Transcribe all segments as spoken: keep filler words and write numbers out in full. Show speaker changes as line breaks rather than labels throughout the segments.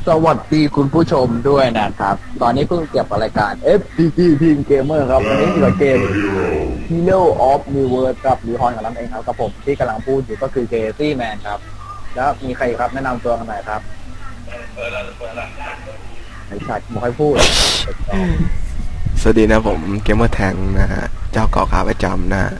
สวัสดีคุณผู้ชมด้วยนะครับตอนนี้เพิ่งเก็บรายการ เอฟ ซี จี Team Gamer ครับวันนี้อยู่กับเกม Hero of Miiverse กับรีฮอนกับน้ำเองครับกับผมที่กำลังพูดอยู่ก็คือเคซี่แมนครับแล้วมีใครครับแนะนำตัวกันหน่อยครับไอ้สัตว์ไม่ค่อยพูด
สวัสดีนะผมเกมเมอร์แทงนะฮะเจ้าเกาะขาประจำนะฮะ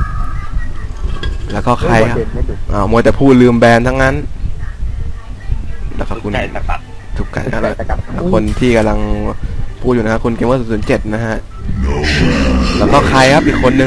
แล้วก็ใครครับอ่ามัวแต่พูดลืมแบรนด์ทั้งนั้นแล้วก็คุณทุกไก่แล้วคนที่กำลังพูดอยู่นะคุณเกมเมอร์ศูนย์เจ็ดนะฮะแล้วก็ใครครับอีกคนนึง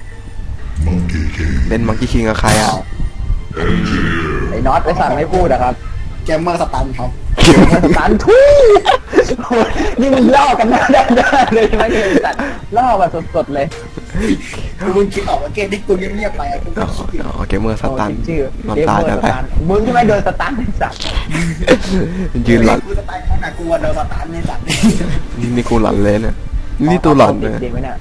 เล่นมังกี้คิงกับใครอ่ะ
ไอ้น็อตไอ้สัตว์ไม่พูดอะครับ
เกมเมอร์สตันครับ
เกมเมอร์สตันทุยนี่มึงล่อกันหน้าด้านเลยใช่ไหมเกมสัตว์ล่อแบบสดๆเลย
มึงคิดออกว่าเกมที่กูเงียบๆไปอ่ะกู
อ๋อเกมเมอร์สตัน
ชื่อ
น้ำตาจะไหล
มึงใช่ไหมโดนสตันไอ้สัตว์
ยืนหลัน
กูสตันขนาดกูโดนสตันในสัตว์
นี่นี่กูหลันเลยเนี่ยนี่ตัวหลันเลย
จริงไหมเนี่ย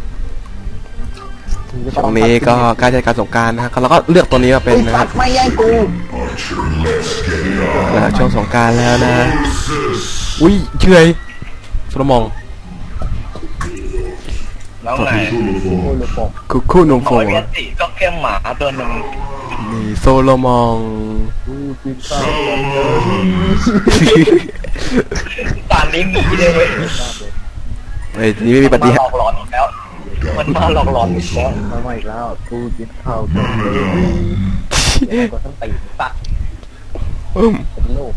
ช่วงนี้ก็ใกล้เทศกาลสงกรานต์นะฮะเราก็เลือกตัวนี้มาเป็นนะค
สั
รั
ต
บ
ว์ไม่แย่งกู
แล้วช่วงสงกรานต์แล้วนะอุ้ยเฉยโซโลมอง
แล้วไง
กูรู้ปก
คุกคู่นง
ข
โฟ
อเพียนติก็แค่หมาตัวหนึ่ง
นี่โซโลมอง
กูคิดข้าว
ตานนี้มีเลยเว้ย
เฮ้ยนี่ไม่มีปฏิ
ห
หา
ล
ร
อกหลอนอีกแล้ว มันมาหลอกหลอนอีกแล้ว
มาใหม่แล้วกูกินข้าวกันเลยก็ต้องตีสัตว์
อืม
เป็นลูก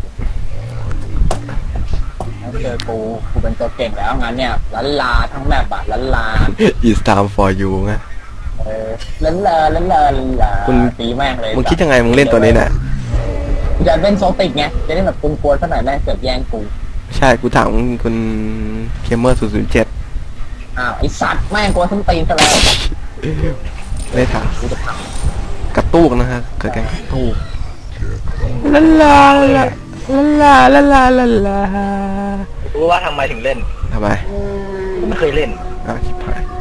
แล้วเจอกูกูเป็นตัวเก่งแล้วงั้นเนี่ยลันลาทั้งแมปอะลันลา
It's time for you ไง
เออลันลาลันลาลันลา
คุณ
ตีแม่งเลย
มึงคิดยังไงมึงเล่นตัวนี้เนี่ย
จะเล่นโซติกไงจะได้แบบกวนๆสักหน่อยแม่งเกิดแย่งกู
ใช่กูถามคุณเคมเมอร์ศูนย์ศูนย์เจ็ด
อ้าวไอสัตว์แม่งกวนส้นตีนซะแล้ว
ได้ถาม
กูจะท
กระตุกนะฮะเกิดการกระตุกลาลาลาลาลาลาลาลา
รู้ว่าทำไมถึงเล่น
ทำไม
ผมไม่เคยเล่น
อ้าวชิบหาย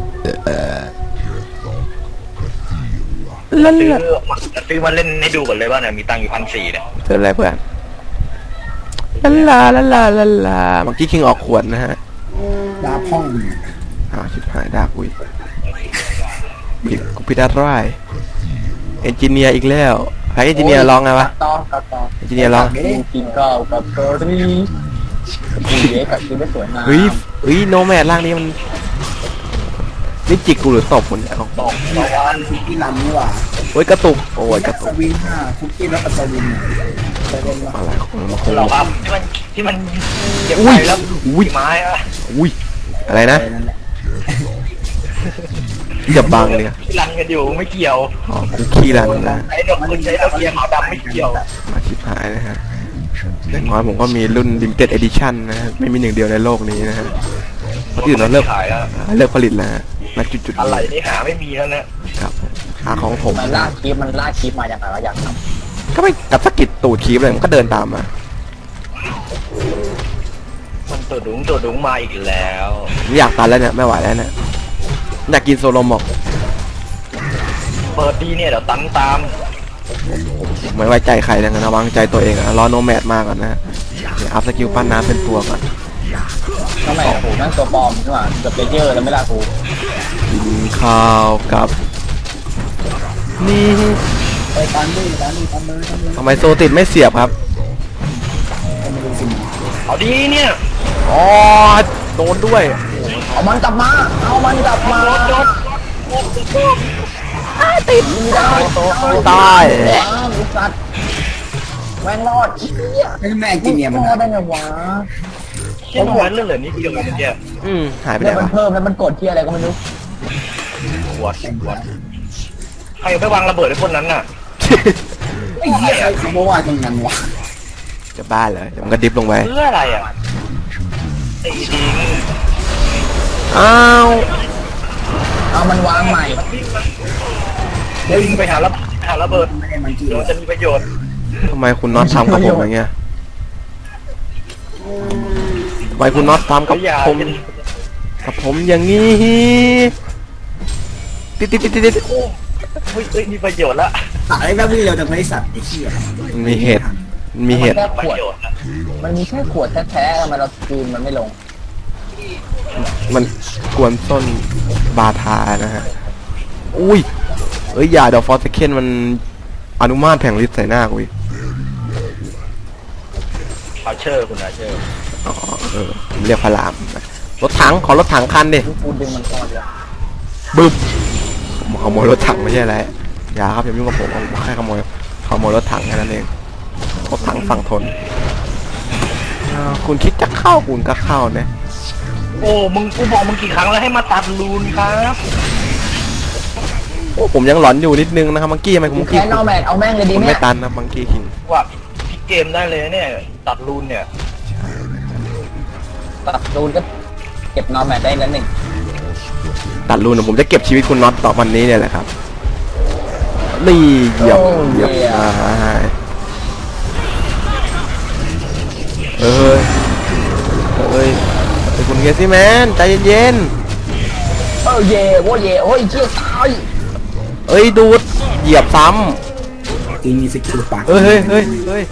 ลา
ซื้อ
ลา
มาซื้อมาเล่นให้ดูก่อนเลยว่าเนี่ยมีตังค์อยู่พันสี่เนี่ย
เจออะไรเพื่อนลาลาลาลาลาเมื่อกี้คิงออกขวดนะฮะ
ดาพ่อง
อ้าวชิบหายดาบอุ้ยผิดกูผิดอะไรเอนจิเนียร์อีกแล้วใครเอนจิเนียร์ร้องไง
ำ
วะ
ต่อต่อต่อ
เอนจิเนียร์ร้อง
กูกินข้าวกับเกอร์รี่กูเย้กับกินได้สวยงาม
เฮ้ยเฮ้ยโนแมดร่างนี้มันนี่จิกกูหรือตบคนเนี่ยเขา
ตกตะวัน
คุกกี้รันนี่หว่า
เฮ้ยกระตุกโอ้ยกระตุ
ส
ก
วิงห้าคุกกี้แล้วก็สวิงไปเล่นว่า
อะไรของมันคง
หลอกอัพที่มันที่มันเก็บไปแล้ว
อุ้ย
ไม้อะ
อุ้ยอะไรนะ
ไปนั่นแหละ
อย่าบังเลย
ที่รันกันอยู่ไม่เกี่ยว
อ๋อกูขี้รันนะ
ไอ้ดอกคุณใช้ดอกเกียร์ขาวดำไม่เกี่ยว
มาชิบหายนะฮะอย่างน้อยผมก็มีรุ่น limited edition นะฮะไม่มีหนึ่งเดียวในโลกนี้นะฮะเพราะที่อื่นเราเลิก
ขายแล้ว
เลิกผลิตแล้วฮะนักจุดๆ
อะไรนี่หาไม่มีแล้วนะครับ
หาของผม
มันลากคลิปมันลากคลิปมาอย่างไรวะอยากท
ก็ไม่กับสกิดตูดคีบเลยมันก็เดินตามมา
มันตัวดุ้งตัวดุ้งมาอีกแล้ว
ไม่อยากตันแล้วเนี่ยไม่ไหวแล้วเนี่ยอยากกินโซโลมอก
เปิดดีเนี่ยเดี๋ยวตันตาม
ไม่ไว้ใจใครเลยนะวางใจตัวเองอะรอโนแมดมากก่อนนะฮะเดี๋ยวอัพสกิลปั้นน้ำเป็นตัวก่อน
ำทำไมอะกูนั่งตัวปลอมนี่หว่าเกือบเลเยอร์แล้วไม่ลากกู
กินข้าวกับนี่
ไปตันด้วยตันด้วยตันเลยตันเลย
ทำไมโซติดไม่เสียบครับ
ไม่รู้สิ
เอาดีเนี่ย
อ๋อโดนด้วย
เอามันกลับมาเอามันกลับมา
โดน
ติดไม่ได้
ตาย
ว้าวไอ้สัตว์แม่งรอดเหี้ย
ไม่แม่กินเนี่ยมัน
รอดได้ไงวะ
เชี่ยทำไมเรื่องเหลือนิดเดียวเองเนี่ย
อืมหายไป
เนี่
ไหน
ยมัน
วะ
เพิ่มแล้วมันกดที่อะไรก็ไม่รู้
ปวดปวดใครไปวางระเบิดไอ้พวกนั้นน่ะ
ไอ้เหี้ยใครบอกว่าตรงนั้นวะ
จะบ้าเลยเดี๋ยวมันก็ดิฟลงไป
เพื่ออะไรอ่ะตีทิ้ง
อ้าว
เอามันวางใหม่
เดี๋ยวไปหาระหาระเบิด
ไม่ได้มันกี่
เดี๋ยวจะมีประโยชน์
ทำไมคุณน็อตทำกับผมอย่างเงี้ยทำไมคุณน็อตทำกับ
อย่า
ผมกับผมอย่างนี้ติดติดติดติดติด
โอ้เฮ้ยเฮ้ยมีประโยชน์ละ
อะไรแบบนี้เราจะไม่สัตว์ไอ้เหี้ย
มันมีเหตุมีเหตุ
แค่ข
ประ
วด
โยชน์นะ
มันมีแค่ขวดแท้ๆทำไมเราคืนมันไม่ลง
มันกวนส้นบาทานะฮะอุ้ยเอ้ยอย่าเดี๋ยวฟอร์สเคนมันอนุมาตแผงฤทธิ์ใส่หน้ากูอีก
อาเชอร์คุณอาเชอร์
อ๋อเออผมเรียกพระรามนะรถถังขอรถถังคันดิ
กูดึงมันก่อนเลย
บึ้มผมขโมยรถถังไม่ใช่อะไรอย่าครับอย่ายุ่งกับผมผมแค่ขโมยขโมยรถถังแค่นั้นเองรถถังฝั่งทนอ่าคุณคิดจะเข้าคุณก็เข้านะ
โอ้มึงกูบอกมึงกี่ครั้งแล้วให้มาตัดรูนครับ
โอ้ผมยังหลอนอยู่นิดนึงนะครับมังกี้ทำไมคุณมังกี้
แค่นอแมนเอาแม่งเลยดี
คุณ
เนี่
ไม่
ย
ตันนะมังกี้คิง
ว่าพี่เกมได้เลยเนี่ยตัดรูนเนี่ย
ตัดรูนก็เก็บนอแมนได้แล้วหนึ่ง
ตัดรูนนะผมจะเก็บชีวิตคุณน็อตต่อวันนี้เนี่ยแหละครับนี่เหยียบเหยียบอ่าเอ้ยเอ้ยไอ้คุณเกซี่แมนใจเย็น
เออเย่โว้ยเย่โอ้ยเชี่ยตาย
ๆเอ้ยดูดเหยียบซ้
จริงมีสกิลปาก
ำเฮ้ยเฮ้ยเฮ้ยเฮ้ย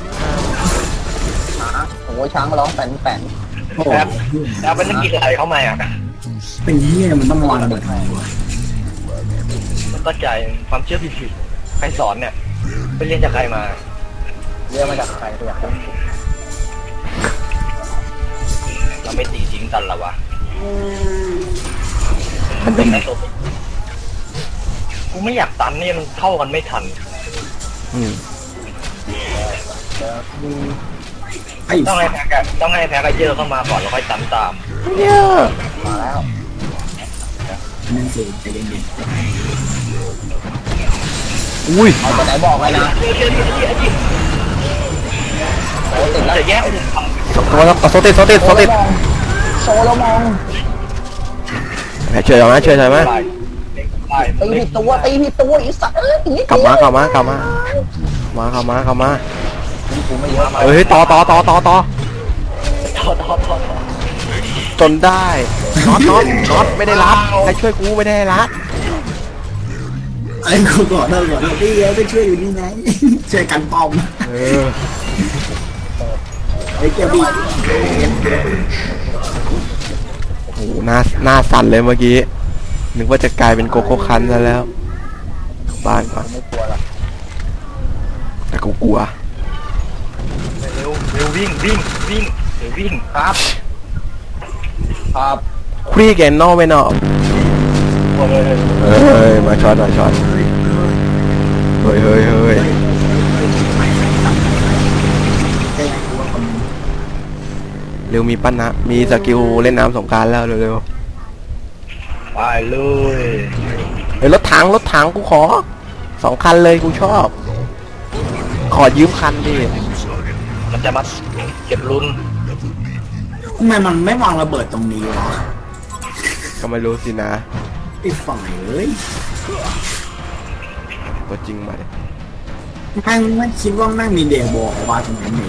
โอ้ยช้างร้องแป่นแป่น
โอ้
แอบแอบเป็นนักกีฬาเข้ามาอ่ะ
เป็นเหี้ยมันต้องวางระเบิดทำไมวะ
มันก็ใจความเชื่อผิดๆใครสอนเนี่ยไปเรียนจากใครมา
เรียกมาจากใครตัวอย่าง
เราไม่ตีทิ้งกันหรอวะ
มันเป็น
กูไม่อยากตันนี่มันเข้ากันไม่ทัน
อืม
ไอ้
ต้องให้แพ้กต้องให้แพ้กันเยอะเข้ามาก่อนแล้วค่อยตันตาม
เนี่ย
มาแล้ว
นั่นสิใจเย็น
อุ้ย
เอาตัวไหนบอกไว้นะ
เดี๋ยวเดี๋ยวเดี๋ยวเดี๋ยวเดี๋ยว
โอ้ติดแล้ว
จะแยก
โซติดโซติดโซติด
โซโลมอง
แหมเฉยเอาไหมเฉยเฉยไหม
ไปไป
ตีผิดตัวตีผิดตัวไอีสัตว์เอ้ยอย่างนี้
กลับมากลับมากลับมามากลับมากลับมา
กูไม่เยอะ
เอ้ยต่อต่อต่อต่อต่อ
ทอดทอดทอด
จนได้น็อตน็อตน็อตไม่ได้รับใครช่วยกูไม่ได้รับ
ไอ้กูก่อนเลิกก่อนเลิกพี่เอ๋ไปช่วยอยู่นี่ไงช่วยกันปอม
เออ
ไอ้เกียร์บี
โอ้โหหน้าหน้าสั่นเลยเมื่อกี้นึกว่าจะกลายเป็นโกโก้คันซะแล้วบ้านก่อน
ไม่กลัวหรอก
แต่กูกลัว
เร็วเร็ววิ่งวิ่งวิ่งเร็ววิ่ง
ครับครับ
ครีแกนนอไม่นอ
โอ้ย
เฮ้ยมาช็อตมาช็อตเฮ้ยเฮ้ยเฮ้ย
แค่กูว่าคน
เร็วมีปั้นนะมีสกิลเล่นน้ำสงกรารแล้วเร็ว
ไปเลย
ๆเฮ้ยรถถังรถถังกูขอสองคันเลยกูชอบ ขอยืมคันดิ
มันจะมาเก็บลุ้น
ทำไมมันไม่วางระเบิดตรงนี้วะ
ก็ไม่รู้สินะ
ไอ้ฝ่ายเอ้ย
ตัวจริงมาดิ
แม่งไม่คิดว่าแม่งมีเดโบออกมาตรงนั้นเลย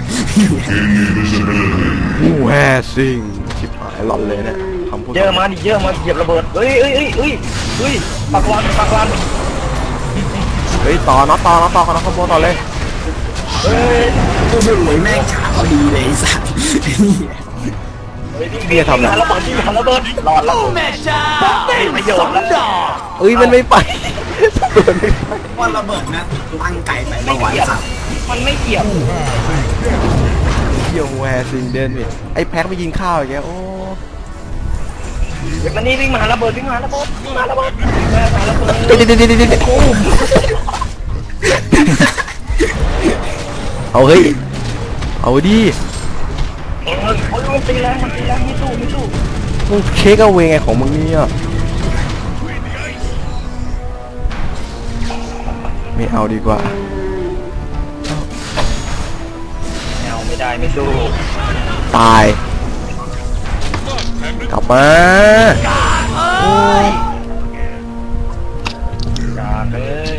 แฮซิงชิบหายหลอนเลยเนี่ยคำพูด
เยอะมาดิเยอะมาเหยียบระเบิดเฮ้ยเฮ้ยเฮ้ยเฮ้ยเฮ้ยปักวันปักวัน
เฮ้ยต่อน็อตต่อน็อตต่อน็อตขโมยต่อเลย
เฮ้ย
กูไม่รวยแม่งฉากเขาดีเลยไอ้สัตว์
เฮ้ยพี่ทำอะไรระเบิดพี่ทำระเบิดหลอดแล้วแม่จ้าประโยชน์แล้ว
เอ้ยมันไม่ไป
ว่าระเบิดนะตั้งไก่ไป
ไม่
เมื่อวาน
เกี่ยว
สัตว์
มันไม่เกี่ยว
เที่ยวแฮซิงเดินนี่ไอ้แพ็คไปกินข้าวอย่างเงี้ยโอ้
เดี๋ยวมันนี่วิ่งมาหาระเบิดวิ่งมาหาระเบิดวิ่งมาหาระเบิดวิ่งมาหาระเบิด
เดี๋ยวเดี๋ยวเดี๋ยวเดี๋ยวเดี๋ยวเอาเฮ้ยเอาดิ
เออโอ้ยมันตีแรงมันตีแรงไม่สู้ไม่สู้
มึงเช็คเอาเวไงของมึงเนี่ยไม่เอาดีกว่า
ไม่เอาไม่ได้ไม่สู้
ตายกลับมาโอ้ย
อย่าเลย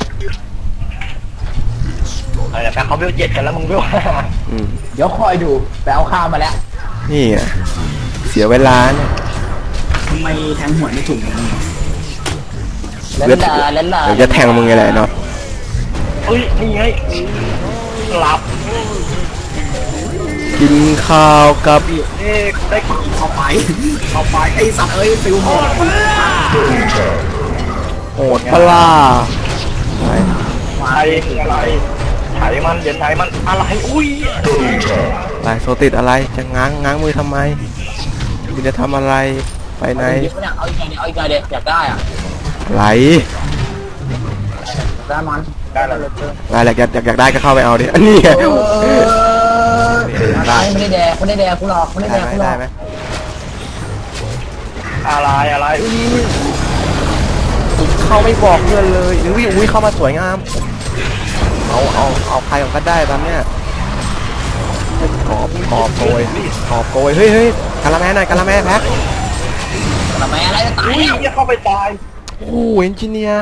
อะไรแป๊บเขาเวลเจ็ดกันแล้วมึงเวลห้า
อืม
เดี๋ยวคอยดูไปเอาข้าวมาแล้ว
นี่อ่ะเสียเวลาเนี่ย
ทำไมแทงหัวไม่ถูกอย่างนี้
เล่น
เดี๋ยว
ลาเล่นลา
เดี๋ยวจะแทงมึงไงแหละเนาะ
เฮ้ยนี่ไงหลับ
กินข้าวกับ
เอ๊ะได้
เอาไปเอาไปไอ้สัตว์เอ้ยฟิวหมด
โหดปลาไป
ไทยอะไรไถมันเดี๋ยวไถมันอะไรอุ้ย
ไปโซติดอะไรจะง้างง้างมือทำไมคุณจะทำอะไรไปไหน
เอาอีกไงเนี่ยเอาอีกไงเด็กอยากได้อ่ะ
ไหล
ได้มัน
ได้แล้ว
ได้แหละอยากอยากอยากได้ก็เข้าไปเอาดิอันนี้ไง
ได้ไม่ได้แดกไม่ได้แดกกูหรอกไม่ได้
ได้
แดก
ไหม
กูหร
ได้
อก
ไหม
อะไรอะไรอุ้ย
เข้าไม่บอกเพื่อนเลยอุ้ยอุ้ยเข้ามาสวยงามเอาเอาเอาใครของก็ได้ตอนเนี้ยกอบกอบโกยกอบโกยเฮ้ยเฮ้ยกะละแม่หน่อยกะละแม่แพ็ค
ทำไมอะไรจะตาย
อุ้ย
แล้ว
จะเข้าไปตาย
โอ้เอนจิเนียร์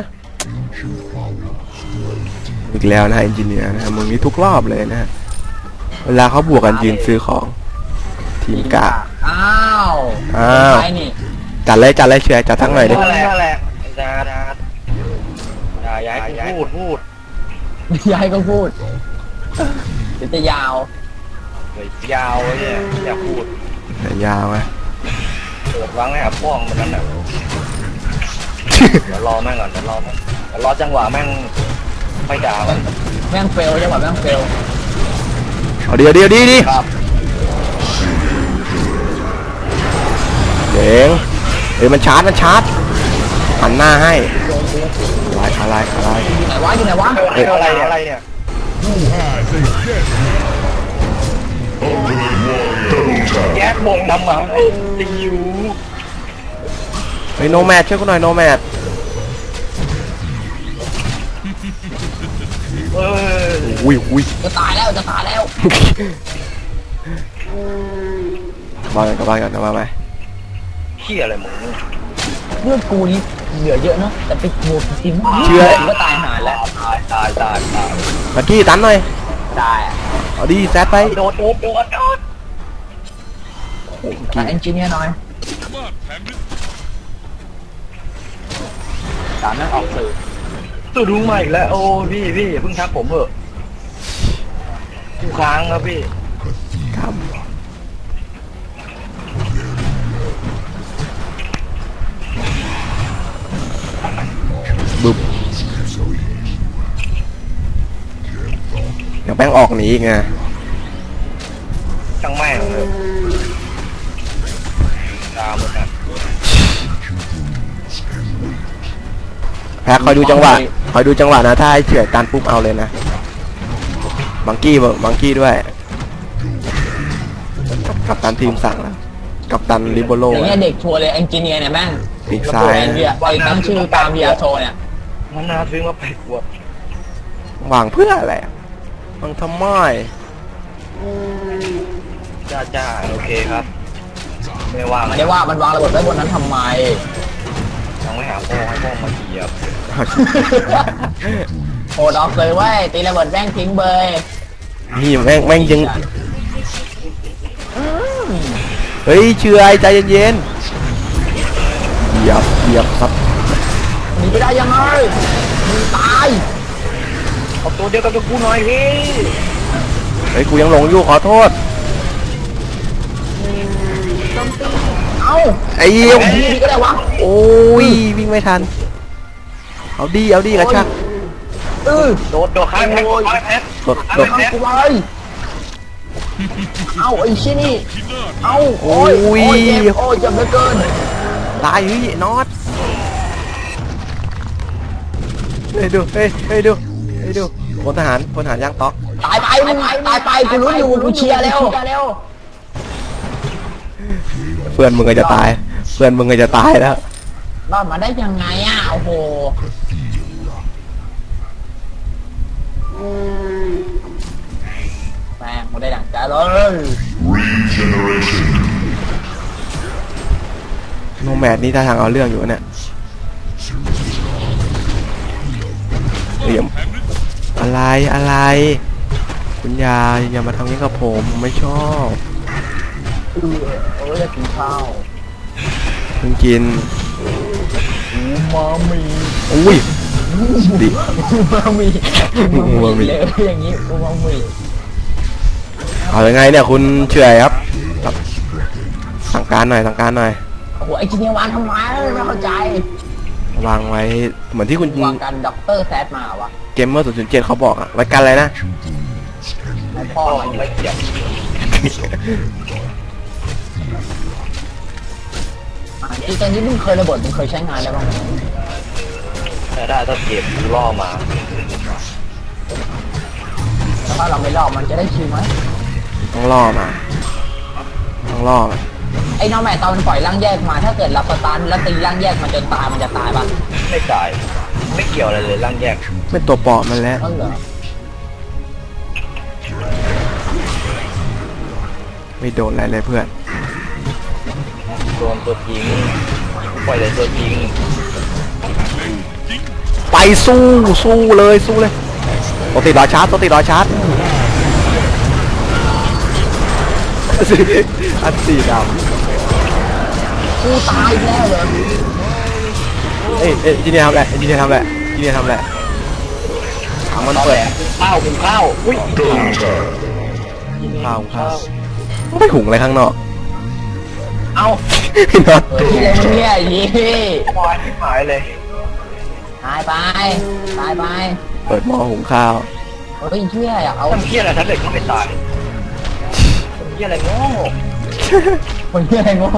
อีกแล้วนะเอนจิเนียร์นะมึงนี่ทุกรอบเลยนะ เวลาเขาบวกกันยืนซื้อของ ทีมกะ
อ้าว
อ้าว
ใครนี่
จัดเลยจัดเลยเชียร์จัดทั้งหน่อยดิ
นั่นแหละนั่นแหละจ้าจ้าอย่าอย่าพูดพูด
ยายก็พูดเดี๋ยวจะยาว
เลยยาวเลยเนี่ยอย่าพูด
แต่ยาวไง
เปิดวางให้หาป้องมันนั่นน่ะเดี๋ยวรอแม่งก่อนเดี๋ยวรอแม่งเดี๋ยวรอจังหวะแม่งไม่ด่ามัน
แม่งเฟลจังหวะแม่งเฟล
เอาเดียวเดียวดีดี
ครับ
เจ๋งเฮ้ยมันชาร์จมันชาร์จหันหน้าให้อะไรอะไรอะไร
อยู่ไหนวะอยู่ไหนวะ
เฮ้ยอะไรอะไรเนี่ยแยกวงทำไมติว
เฮ้ยโนแมทช่วยกูหน่อยโนแมท
เออ
อุ้ยอุ้ย
จะตายแล้วจะตายแล้ว
มากันกับบ้านกันนะมาไหม
เขี้ยอะไรมึง
เลือดกูนี่เหลือเยอะเนาะแต่ไปโหวตจริงก็ตายหาแล้ว
ตายตายตายตาย
มากี้ตันหน่อย
ได้
เอาดีแซดไป
โดดโดดโดดโดด
แต่เอนจิเนียร์หน่อยสามนั่งออกสื่อ
ตัวรู้มาอีกแล้วโอ้พี่พี่เพิ่งทักผมเหอะกูค้างครับพี่
ครับบึบเดี๋ยวแป้งออกหนีอีกไง
ช่างแม่งเลยตามหมดนะ
แพ้คอยดูจังหวะคอยดูจังหวะนะถ้าให้เฉื่อยตันปุ๊บเอาเลยนะบังกี้บังกี้ด้วยกับตันทีมสั่งแล้วกับตันลิโบโล
อย่างเงี้ยเด็กชัวร์เลยเอนจิเนียร์เนี่ยแม่ง
ปีกซ้าย
ไอ้เนี่ยไอ้ตั้งชื่อตามวีอาร์โชเนี่ย
มันน่าซื้อมาไปกวด
หวังเพื่ออะไรมันทำไม
จ้าจ้าโอเคครับ ไม่ว่า
มันได้ว่ามันวางระเบิดไว้บนนั้นทำไม
ต้องไม่หาพ่อให้พ่อมาเหยียบ
โหดออกเลยเว้ยตีระเบิดแม่งทิ้งเบย
นี่แม่งแม่งยังเฮ้ยเชื่อใจเย็นๆเหยียบเหยียบครับ
หนีไปได้ยังไงมึงตาย
เอาตัวเดียวกับตัวกูหน่อยพี่
เฮ้ยกูยังหลงอยู่ขอโทษ
เอ้า
ไอ้เหี้ย
ดีดีก็ได้วะ
โอ้ยวิ่งไม่ทันเอาดีเอาดีกระชัก
เออ
โดดโดดข้างแพ็คข้างแพ็ค
กดกด
เอากูไปเอาไอ้ชิ้นนี่เอาโอ้ย
โอ้ย
โอ้ยเจ็บโอ้ยเจ็บเหลือเกิน
ตายเฮ้ยน็อตเฮ้ยดูเฮ้ยเฮ้ยดูเฮ้ยดูพลทหารพลทหารย่างต๊อก
ตายไปมึงตายไปกูรู้อยู่กูเชียร์แล้ว
เพื่อนมึงก็จะตายเพื่อนมึงก็จะตายแล้ว
รอดมาได้ยังไงอ่ะโอ้โหแม่งกูได้ดังใจเลย
โนแมดนี่ท่าทางเอาเรื่องอยู่เนี่ยเหลี่ยมอะไรอะไรคุณยายอย่ามาทำนี้กับผมผมไม่ชอบ
เออเออจะกินข้าว
เพิ่งกิน
อูมามี
อุ้ยดิ
อูมามิ
อูมามิ
เลยอย่างนี้อูมามิ
เอายังไงเนี่ยคุณเฉยครับครับสั่งการหน่อยสั่งการหน่อย
โอ้โหไอ้จีเนียวางทำไมไม่เข้าใจ
วางไว้เหมือนที่คุณ
วางกันด็อกเตอร์แซดมาวะ
เกมเมอร์ศูนย์ศูนย์เจ็ดเขาบอกอะไว้กันอะไรนะ
ไอ้พ่อ
พ่อ
มัน
ไม่เกี่ยว
จริงๆนี่มึงเคยระเบิดมึงเคยใช้งานได้บ้างไหม
แต่ได้ถ้าเก็บล่อมา
แล้วถ้าเราไม่รอบมันจะได้คิวไหม
ต้องล่อมาต้องล่อมา
ไอ้น้องแม่ตอนมันปล่อยร่างแยกมาถ้าเกิดเราสตาร์ทแล้วตีร่างแยกมันจนตายมันจะตายปะ
ไม่จ่ายไม่เกี่ยวอะไรเลยร่างแยก
เป็นตัวปลอมมันแล้ว
นั่นเหรอ
ไม่โดนอะไรเลยเพื่อน
โดนตัวจริงปล่อยเลยตัวจริง
ไปสู้สู้เลยสู้เลยตัวติดรอยชาร์จตัวติดรอยชาร์จอันสีด
กูตายอีกแล้วเหรอ
ำเอ้ยเอ้ยจีเนียทำอะไรจีเนียทำอะไรจีเนียทำอะไรถังมัน
ตอน
เปิ
แร
ด
กข้าวหุงข้าวอุ้ย
ข้าวข้าวไม่หุงอะไรข้างนอก
เอา
พี่น็อต
เฮ้ยอะไรมึงเนี่ยยี่
วายที่หายเลย
ตายไปตายไป
เปิดหม้อหุงข้าว
เฮ้ยเชี่ยอยากเอา
ทำเพี้ยอะไรท่านเด็กก็ไม่ตายทำเพี้ยอะไรโง่
คนเชี่ยอะไรงง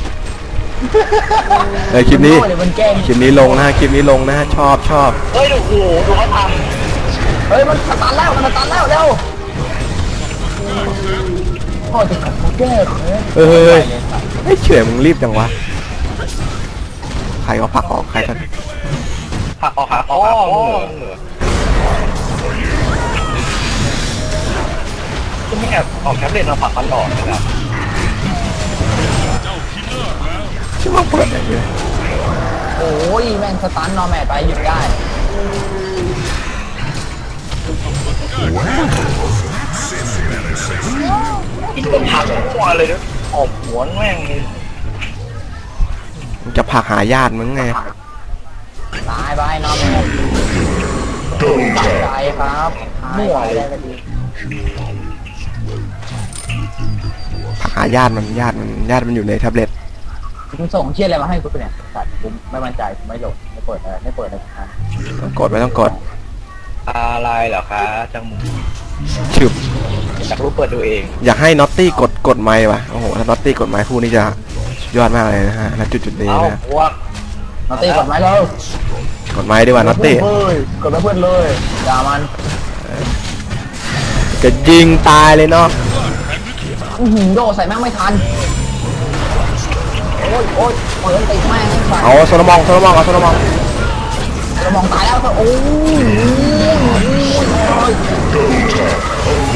เออคลิปนี้
เดี๋ยวมันแกล้ง
คลิปนี้ลงนะฮะคลิปนี้ลงนะฮะชอบชอบ
เฮ้ยดูโอ้โหดูเขาท
เฮ้ยมันสตาร์ทแล้วมันสตาร์ทแล้วเร็วพ่อจะขับเขาแก้เฮ้ย
เฮ้ยเฮ้ยเฮ้ยเฉยมึงรีบจังวะใครก็ผลักออกใครก็
ำหักออกหักออกหักออกจะไม่แอบออกแคปเลนมาผลักมันออกนะครับ
ชื่อว่าเปิดอะไรเนี่ย
โอ้ยแม่งสตาร์ทนอร์แมทไปหยุดได้
อีกตัวผลักหัวเลยนะออกหัวแม่ง
มึงจะผลักหาญาติมึงไง
ตายไปนอร์แมทตัดใจครับมั่วเลยก็ดี
ผลักหาญาติมันญาติมันญาติมันอยู่ในแท็บเล็ต
มึงส่งเชี่ยอะไรมาให้กูเนี่ยสัตว์กูไม่มั่นใจกูไม่โหลดไม่เปิดอะไรไม่เปิดอะไรทั้งนั้น
ต้องกดไม่ต้องกด
อะไรเหรอคะจังหมู
ฉึบ
อยากรู้เปิดดูเอง
อยากให้น็อตตี้กดกดไมค์ว่ะโอ้โหถ้าน็อตตี้กดไมค์คู่นี้จะสุดยอดมากเลยนะฮะณจุดจุดนี้
เอา
นะ
พวก
นอตตี้กดไหมเรา
กดไมค์ดีกว่าน็อตตี้
เฮ้ยกดไปเพื่อนเลยอย่ามัน
จะยิงตายเลยเนาะ
อื้อหือโดดใส่แม่งไม่ทันโอ้ยโอ้ยเปิดติดแม่งให้ใส่
เอาโซโลมองโซโลมองเอาโซโลมอง
เรามองตายแล้วก็โอ้ยโอ้ยโอ้ย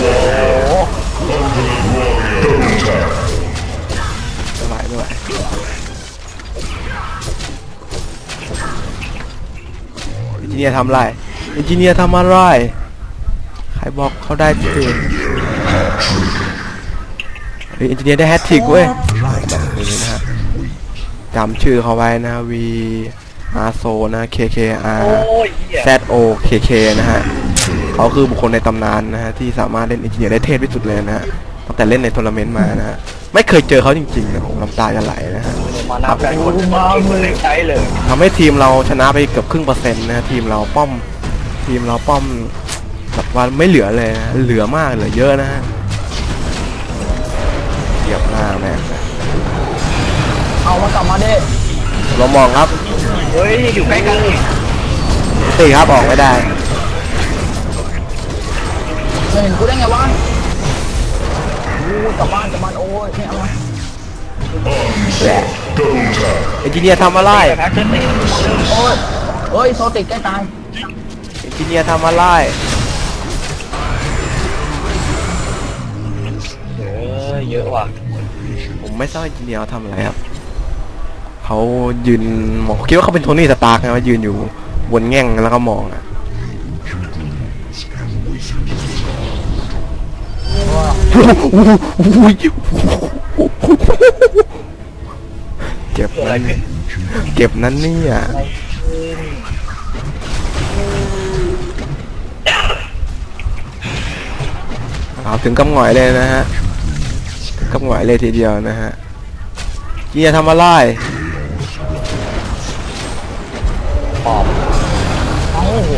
ไม่ไหวไม่ไหวอินจิเนียร์ทำอะไรอินจิเนียร์ทำอะไรใครบอกเขาได้ตื่นเฮ้ยอินจิเนียร์ได้แฮตทริกเว้ยแบบนี้นะฮะจำชื่อเขาไว้นะ V R S O นะ K K R
โอ้ยเหี้ย
Z O K K นะฮะเขาคือบุคคลในตำนานนะฮะที่สามารถเล่นอินจิเนียร์ได้เทพที่สุดเลยนะฮะตั้งแต่เล่นในทัวร์นาเมนต์มานะฮะไม่เคยเจอเขาจริงๆนะผมน้ำตาจะไหลนะฮะ
มานับกันคนมาเลยใช้เลย
ทำให้ทีมเราชนะไปเกือบครึ่งเปอร์เซ็นต์นะฮะทีมเราป้อมทีมเราป้อมแบบว่าไม่เหลือเลยนะเหลือมากเหลือเยอะนะฮะเหยียบหน้าแม่งนะ
เอามากลับมาดิ
เรามองครับ
เฮ้ยอยู่ใกล้กันอีก
ตีครับออกไม่ได้
ไม่เห็นกูได้ไงวะโอ้ยกลับบ้านกลับบ้านโอ้ยไม่เอามา
แหละเอนจิเนียร์ทำอะไร
แพ็คเช่นนี้
โอ้ยเฮ้ยโซติดใกล้ตาย
เอนจิเนียร์ทำอะไร
เออเยอะว่ะ
ผมไม่ทราบเอนจิเนียร์เขาทำอะไรครับเขายืนมองคิดว่าเขาเป็นโทนี่สตาร์กนะว่ายืนอยู่บนแง่งแล้วก็มองอ่ะเจ็บ
อะไร
นั้น
ขึ้น
เจ็บนั้นเนี่ยเอาถึงกำหงอยเลยนะฮะถึงกำหงอยเลยทีเดียวนะฮะเกียร์ทำอะไร
ปอบโอ้โห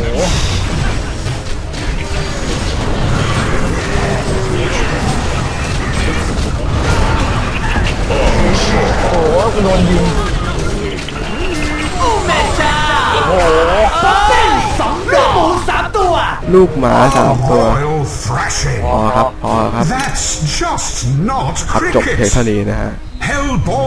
โอ้โหกูโดนยิง
ลูกหมาสามตัว
Royal thrashing.
พอครับพอครับ
That's just not
ครับจบเพลง
cricket.
เท่านี้นะฮะ
Hellboy.